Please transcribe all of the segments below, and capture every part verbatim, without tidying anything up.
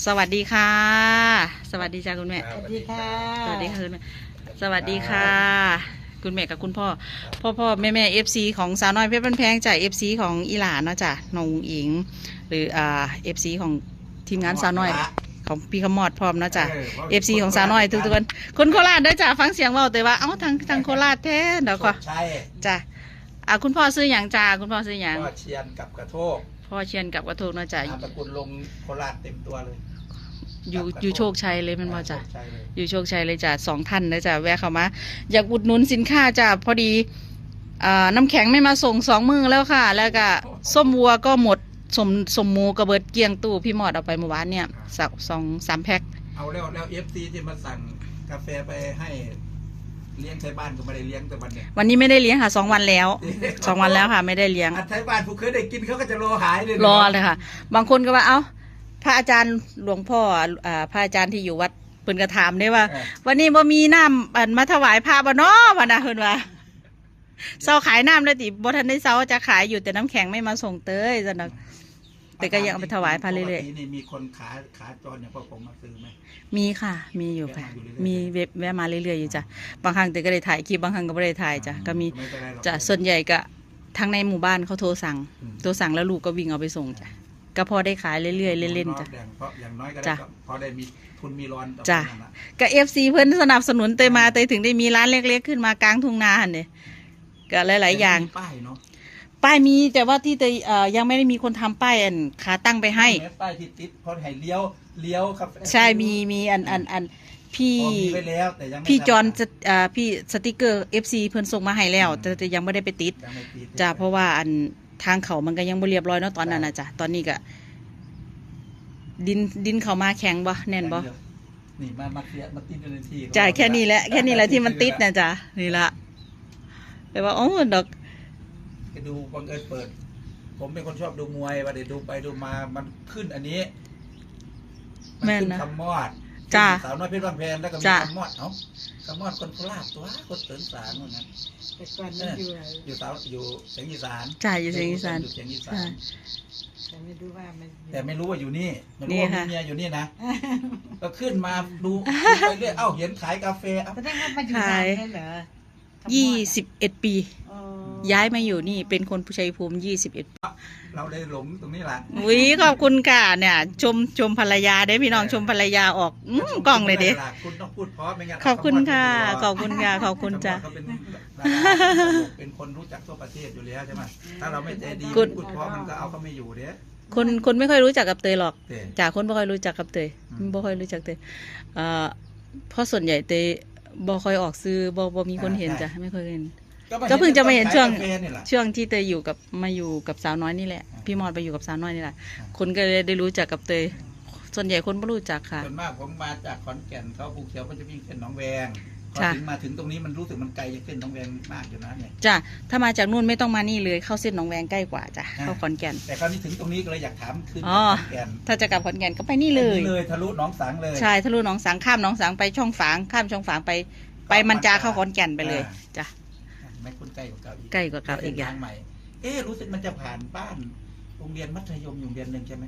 สวัสดีค่ะสวัสดีจ้าคุณแม่สวัสดีค่ะสวัสดีค่ะคุณแม่สวัสดีค่ะคุณแม่กับคุณพ่อพ่อพ่อแม่แม่เอฟซีของสาวน้อยเพชรบ้านแพงจากเอฟซีของอีหลานเนาะจ้ะน้องอิงหรืออ่าเอฟซีของทีมงานสาวน้อยของพี่ขมอดพร้อมเนาะจ้ะเอฟซีของสาวน้อยทุกทุกคนคนโคราชด้วยจ้ะฟังเสียงเว่าแต่ว่าเอ้าทางทางโคราชแท้เดี๋ยวก่อนจ้ะอ่าคุณพ่อซื้ออย่างจ้าคุณพ่อซื้ออย่างพ่อเชียนกับกระโทกพ่อเชียนกับกระทูกเนาะจ้ะนามสกุลลงโคราชเต็มตัวเลยอยู่อยู่โชคชัยเลยมันมาจ้ะอยู่โชคชัยเลยจ้ะสองท่านเลยจ้ะแวะเข้ามาอยากอุดหนุนสินค้าจ้ะพอดีอ่าน้ำแข็งไม่มาส่งสองมือแล้วค่ะแล้วก็ส้มวัวก็หมดสมสมหมูกระเบิดเกลียงตู้พี่หมอดเอาไปเมื่อวานเนี่ยสักสองสามแพ็คเอาแล้วแล้วเอฟซีที่มาสั่งกาแฟไปให้เลี้ยงไทยบ้านก็ไม่ได้เลี้ยงแต่วันเนี้ยวันนี้ไม่ได้เลี้ยงค่ะสองวันแล้วสองวันแล้วค่ะไม่ได้เลี้ยงไทยบ้านผู้เคยได้กินเขาก็จะรอหายเลยรอเลยค่ะบางคนก็ว่าเอ้าพระอาจารย์หลวงพ่ออ่าพระอาจารย์ที่อยู่วัดเพิ่นก็ถามได้ว่าวันนี้บ่มีน้ำอันมาถวายพระบ่เนาะว่านะเพิ่นว่าเซาขายน้ำแล้วติบ่ทันได้เซาจะขายอยู่แต่น้ำแข็งไม่มาส่งเต้ยซั่นน่ะแต่ก็ยังเอาไปถวายพระเรื่อยๆนี่มีคนขาขาจรอย่างพวกผมมาซื้อไหมมีค่ะมีอยู่ค่ะมีเว็บแวะมาเรื่อยๆอยู่จ้ะบางครั้งแต่ก็ได้ถ่ายคลิปบางครั้งก็ไม่ได้ถ่ายจ้ะก็มีจ้ะส่วนใหญ่ก็ทางในหมู่บ้านเขาโทรสั่งโทรสั่งแล้วลูกก็วิ่งเอาไปส่งจ้ะก็พอได้ขายเรื่อยๆเล่นๆจ้ะอย่างน้อยก็ได้พอได้มีทุนมีร้อนจ้ะก็เอฟซีเพิ่นสนับสนุนเตยมาเตยถึงได้มีร้านเล็กๆขึ้นมากลางทุ่งนาเนี่ยก็หลายๆอย่างป้ายเนาะป้ายมีแต่ว่าที่เตยยังไม่ได้มีคนทำป้ายอันขาตั้งไปให้ป้ายที่ติดพอให้เลี้ยวเลี้ยวครับใช่มีมีอันอันอันพี่พี่จอนพี่สติกเกอร์เอฟซีเพิ่นส่งมาให้แล้วแต่แต่ยังไม่ได้ไปติดจ้ะเพราะว่าอันทางเขามันก็ยังไม่เรียบร้อยเนาะตอนนั้นนะจ้ะตอนนี้ก็ดินดินเขามาแข็งบ่แน่นบ่นี่มามาเคลียร์มาติดในที่จ่ายแค่นี้แหละแค่นี้แหละที่มันติดนะจ้ะนี่ละแต่ว่าโอ้ดอกไปดูบังเอิญเปิดผมเป็นคนชอบดูมวยว่าเดี๋ยวดูไปดูมามันขึ้นอันนี้มันขึ้นคำมอดจ้าสาวน้อยเพชรบ้านแพงแล้วก็มีคำมอดเอ้าคำมอดคนโคราชตัวคนเสริมสารเหมือนกันแต่ก่อนมันอยู่อยู่สาวอยู่เสียงอีสานจ้าอยู่เสียงอีสานอยู่เสียงอีสานแต่ไม่รู้ว่ามันแต่ไม่รู้ว่าอยู่นี่ไม่รู้ว่ามีเมียอยู่นี่นะก็ขึ้นมาดูไปเรื่อยเอ้าเห็นขายกาแฟแสดงว่ามันอยู่นานใช่เหรอยี่สิบเอ็ดปีย้ายมาอยู่นี่เป็นคนผู้ชัยภูมิยี่สิบเอ็ดปีเราได้หลงตรงนี้แหละวิขอบคุณค่ะเนี่ยชมชมภรรยาได้พี่น้องชมภรรยาออกกล้องเลยเด้คุณต้องพูดเพราะไม่งั้นขอบคุณค่ะขอบคุณค่ะขอบคุณจ้ะเป็นคนรู้จักทั่วประเทศอยู่แล้วใช่ไหมถ้าเราไม่ใจดีพูดเพราะมันก็เอาเขาไม่อยู่เด้คนคนไม่ค่อยรู้จักกับเตยหรอกจากคนไม่ค่อยรู้จักกับเตยไม่ค่อยรู้จักเตยเพราะส่วนใหญ่เตยบ่ค่อยออกซื้อบ่บ่มีคนเห็นจ้ะไม่เคยเห็นก็เพิ่งจะมาเห็นช่วงช่วงที่เตยอยู่กับมาอยู่กับสาวน้อยนี่แหละพี่มอดไปอยู่กับสาวน้อยนี่แหละคนก็เลยได้รู้จักกับเตยส่วนใหญ่คนไม่รู้จักค่ะส่วนมากผมมาจากขอนแก่นเขาภูเขียวเขาจะวิ่งเส้นหนองแวงพอถึงมาถึงตรงนี้มันรู้สึกมันไกลจากเส้นหนองแวงมากอยู่นะเนี่ยจ้ะถ้ามาจากนู่นไม่ต้องมานี่เลยเข้าเส้นหนองแวงใกล้กว่าจ้ะเข้าขอนแก่นแต่คราวนี้ถึงตรงนี้ก็เลยอยากถามคือขอนแก่นถ้าจะกลับขอนแก่นก็ไปนี่เลยเลยทะลุหนองสังเลยใช่ทะลุหนองสังข้ามหนองสังไปช่องฝางข้ามช่องฝางไปไปมันจาเข้าขอนแก่นไปเลยจ้ะไม่คุ้นใกล้กว่าเก่าอีกใกล้กว่าเก่าอีกอย่างใหม่เอ๊รู้สึกมันจะผ่านบ้านโรงเรียนมัธยมอยู่โรงเรียนหนึ่งใช่ไหม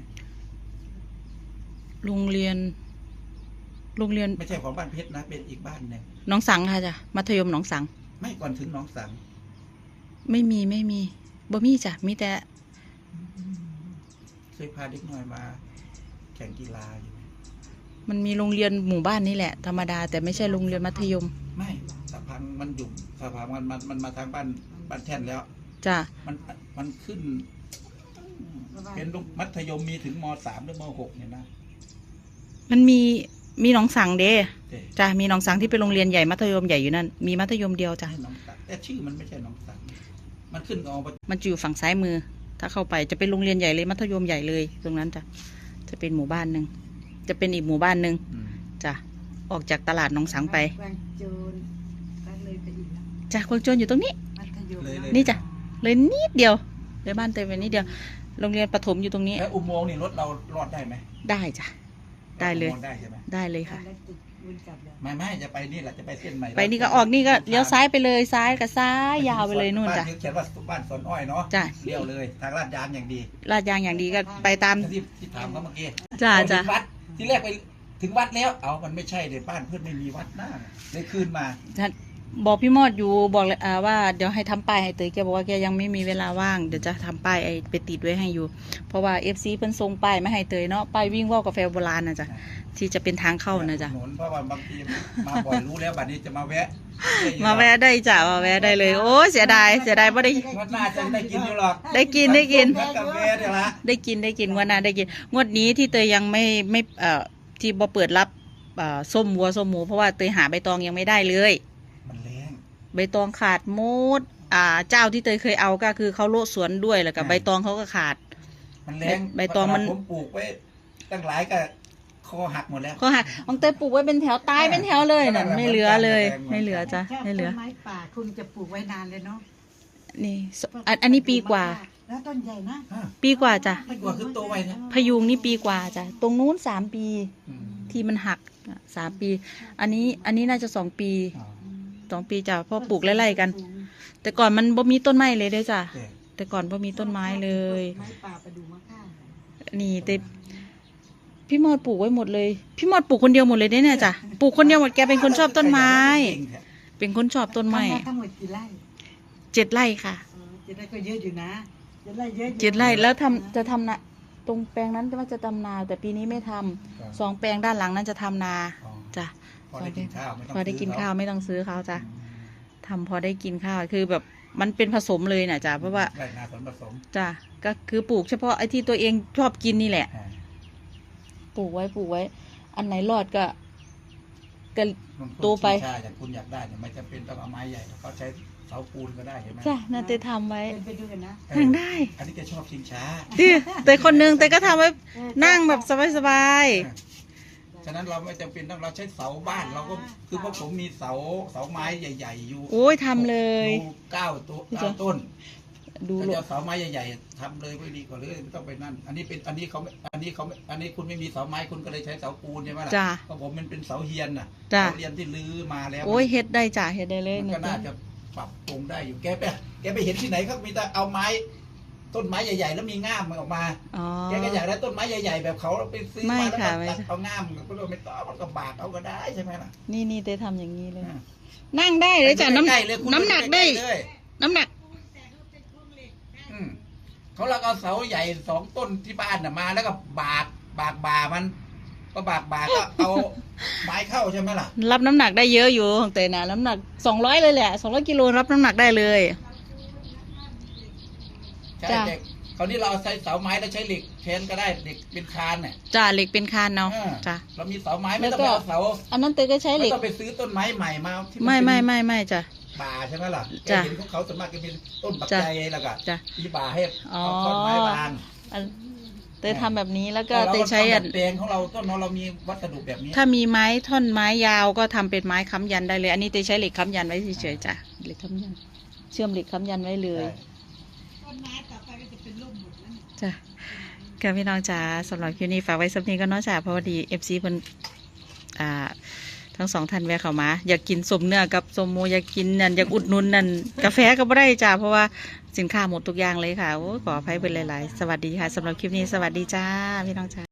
โรงเรียนโรงเรียนไม่ใช่ของบ้านเพชรนะเป็นอีกบ้านหนึ่งหนองสังค่ะจ้ะมัธยมหนองสังไม่ก่อนถึงหนองสังไม่มีไม่มีบ่มีจ้ะมีแต่เคยพาเด็กน้อยมาแข่งกีฬาอยู่มันมีโรงเรียนหมู่บ้านนี่แหละธรรมดาแต่ไม่ใช่โรงเรียนมัธยมไม่สะพังมันอยู่สะพังมันมันมันมาทางบ้านบ้านแท่นแล้วจ้ะมันมันขึ้นเป็นมัธยมมีถึงมสามหรือมหกเนี่ยนะมันมีมีหนองสังเด้จ้ะมีหนองสังที่เป็นโรงเรียนใหญ่มัธยมใหญ่อยู่นั่นมีมัธยมเดียวจ้ะแต่ชื่อมันไม่ใช่หนองสังมันขึ้นออกมันอยู่ฝั่งซ้ายมือถ้าเข้าไปจะเป็นโรงเรียนใหญ่เลยมัธยมใหญ่เลยตรงนั้นจ้ะจะเป็นหมู่บ้านหนึ่งจะเป็นอีกหมู่บ้านหนึ่งจ้ะออกจากตลาดหนองสังไปจ้ะกวางโจรอยู่ตรงนี้นี่จ้ะเลยนิดเดียวเลยบ้านเต็มไปนิดเดียวโรงเรียนประถมอยู่ตรงนี้แล้วอุโมงค์นี่รถเรารอดได้ไหมได้จ้ะได้เลยได้ใช่ไหมได้เลยค่ะไม่ไม่จะไปนี่แหละจะไปเส้นใหม่ไปนี่ก็ออกนี่ก็เลี้ยวซ้ายไปเลยซ้ายกับซ้ายยาวไปเลยนู่นจ้ะเขียนว่าบ้านสวนอ้อยเนาะจ้ะเลี้ยวเลยทางลาดยางอย่างดีลาดยางอย่างดีก็ไปตามที่ที่ถามเขาเมื่อกี้จ้ะจ้ะวัดที่แรกไปถึงวัดแล้ว เอามันไม่ใช่เลยบ้านเพื่อนไม่มีวัดหน้าเลยคืนมาบอกพี่มอดอยู่บอกเลยอ่าว่าเดี๋ยวให้ทำป้ายให้เตยแกบอกว่าแกยังไม่มีเวลาว่างเดี๋ยวจะทำป้ายไอไปติดไว้ให้อยู่ เพราะว่าเอฟซีเพิ่นส่งป้ายมาให้เตยเนาะป้ายวิ่งว่าวกาแฟโบราณนะจ๊ะที่จะเป็นทางเข้านะจ๊ะหนุนเพราะว่าบางทีมาบ่อยรู้แล้วบัดนี้จะมาแวะมาแวะได้จ้ะมาแวะได้เลย โอ้เสียดายเสียดายไม่ได้งวดหน้าจะได้กินอยู่หรอกได้กินได้กินกาแฟเดี๋ยวละได้กินได้กินงวดหน้าได้กินงวดนี้ที่เตยยังไม่ไม่เอ่อที่บ่เปิดรับเอ่อส้มวัวส้มหมูเพราะว่าเตยหาใบตองยังไม่ได้เลยมันแรงใบตองขาดหมดอ่าเจ้าที่เตยเคยเอาก็คือเขาโลดสวนด้วยแล้วกับใบตองเขาก็ขาดมันแรงใบตองมันผมปลูกไว้ตั้งหลายก็คอหักหมดแล้วเขาหักของเตยปลูกไว้เป็นแถวตายเป็นแถวเลยน่ะไม่เหลือเลย ไม่เหลือจ้ะชอบไม่เหลือต้นไม้ป่าคุณจะปลูกไว้นานเลยเนาะนี่อันอันนี้ปีกว่าแล้วต้นใหญ่นะอ่ะปีกว่าจ้ะปีกว่าคือโตไวนะพยุงนี่ปีกว่าจ้ะตรงนู้นสามปีอืมที่มันหักอ่ะสามปี อันนี้อันนี้น่าจะสองปีอ๋อสองปีจ้ะเพราะปลูกไล่ๆกัน แต่ก่อนมันบ่มีต้นไม้เลยเด้อจ้ะแต่แต่ก่อนบ่มีต้นไม้เลยไม้ป่าประดูมะค่านี่แต่พี่มอดปลูกไว้หมดเลย พี่มอดปลูกคนเดียวหมดเลยเนี่ยจ้ะปลูกคนเดียวหมดแกเป็นคนชอบต้นไม้ เป็นคนชอบต้นไม้ทำนาทั้งหมดกี่ไร่เจ็ดไร่ค่ะเออเจ็ดไร่ก็เยอะอยู่นะเจ็ดไร่เยอะอยู่เจ็ดไร่แล้วทำจะทำนาตรงแปลงนั้นว่าจะทำนา แต่ปีนี้ไม่ทำสองแปลงด้านหลังนั้นจะทำนาอ๋อจ้ะพอได้กินข้าวไม่ต้องพอได้กินซื้ข้าวไม่ต้องซื้อเขาจ้ะอืมทำพอได้กินข้าวคือแบบมันเป็นผสมเลยน่ะจ้ะเพราะว่าไรนาผลผสมจ้ะก็คือปลูกเฉพาะไอ้ที่ตัวเองชอบกินนี่แหละอ่าปลูกไว้ปลูกไว้ อันไหนรอดก็ก็มันพูดโตไปชี้ชาอย่างคุณอยากได้เนี่ยไม่จำเป็นต้องเอาไม้ใหญ่เขาใช้เสาปูนก็ได้เห็นไหมจ้ะน่าจะทำไว้เป็นไปดูกันนะเออนั่งได้อันนี้แกชอบชิงช้าดิแต่คนนึงแต่ก็ทำไว้นั่งแบบสบายฉะนั้นเราไม่จำเป็นต้องเราใช้เสาบ้านเราก็คือพวกผมมีเสาเสาไม้ใหญ่ ๆ อยู่ๆโอ้ยทำเลยดูเก้าตัวพี่เก้าจ๊ะต้นดูถ้าโลจะเอาเสาไม้ใหญ่ๆทำเลยไม่ดีกว่าเลยไม่ต้องไปนั่น อันนี้เป็นอันนี้เขาไม่อันนี้เขาไม่อันนี้คุณไม่มีเสาไม้คุณก็เลยใช้เสาปูนใช่ไหมล่ะจ้ะเพราะผมมันเป็นเสาเฮียนน่ะจ้ะเสาเฮียนที่ลื้อมาแล้วโอ้ยเฮ็ดได้จ้ะเฮ็ดได้เลยมันก็นะน่าจ๊ะจะปรับปรุงได้อยู่แกไปแกไปเห็นที่ไหนเขามีแต่เอาไม้ ต้นไม้ใหญ่ ๆ แล้วมีง่ามมันออกมาอ๋อแกก็อยากได้ต้นไม้ใหญ่ๆแบบเขาไปซื้อไม่มาแล้วค่ะก็ไม่ตัดใช่เอาง่ามก็เลยไม่ต้องมันก็บากเอาก็ได้ใช่ไหมล่ะนี่นี่ได้ทำอย่างนี้เลยอ่านั่งได้เลยจ้ะน้ใกล้ๆเลยคุณำน้ำหนักได้ใเลยน้ำหนักอืมเขาเราเอาเสาใหญ่สองต้นที่บ้านน่ะมาแล้วก็บากบากบามันก็บากบาก็เอาไม้เข้าใช่ไหมล่ะรับน้ำหนักได้เยอะอยู่ของเตยนะน้ำหนักสองร้อยเลยแหละสองร้อยกิโลรับน้ำหนักได้เลยใช่จ้ะแต่คราวนี้เราเอาใช้เสาไม้แล้วใช้เหล็กแทนก็ได้เหล็กเป็นคานเนี่ยจ้ะเหล็กเป็นคานเนาะอ่าจ้ะเรามีเสาไม้ไม่ต้องแล้ไปวก็เอาเสาอันนั้นเตยก็ใช้เหไม่ล็กต้องไปซื้อต้นไม้ใหม่มาที่นไม่ไม่เป็นไม่ไม่จ้ะป่าใช่ไหมล่ะแกจ้ะเห็นของเขาส่วนมากจะเป็นต้นปักจ้ะใจแล้วก็จ้ะที่ป่าให้อ๋อเอาต้นไม้วางอันเตยทำแบบนี้แล้วก็เราเตยใช้ทำอัแบนบแปลงของเราต้นเราเรามีวัสดุแบบนี้ถ้ามีไม้ท่อนไม้ยาวก็ทำเป็นไม้ค้ำยันได้เลย อันนี้เตยใช้เหล็กค้ำยันไว้เฉยๆจ้ะเหล็กค้ำยัน เชื่อมเหล็กค้ำยันไว้เลยใช่ต้นไม้ต่อไปก็จะเป็นร่มหมดแล้วจ้ะค่ะพี่น้องจ๋าสำหรับคลิปนี้ฝากไว้สักนี้ก็เนาะจ้ะเพราะว่าดีเอฟซีเพิ่นอ่า ทั้งสองท่านแวะเข้ามา อยากกินสมเนื้อกับสมโมอยากกินนั่นอยากอุดหนุนนั่นกาแฟก็ไม่ได้จ้ะเพราะว่าสินค้าหมดทุกอย่างเลยค่ะโอ้ยขออภัยเป็นหลายๆ สวัสดีค่ะสำหรับคลิปนี้สวัสดีจ้าพี่น้องจ๋า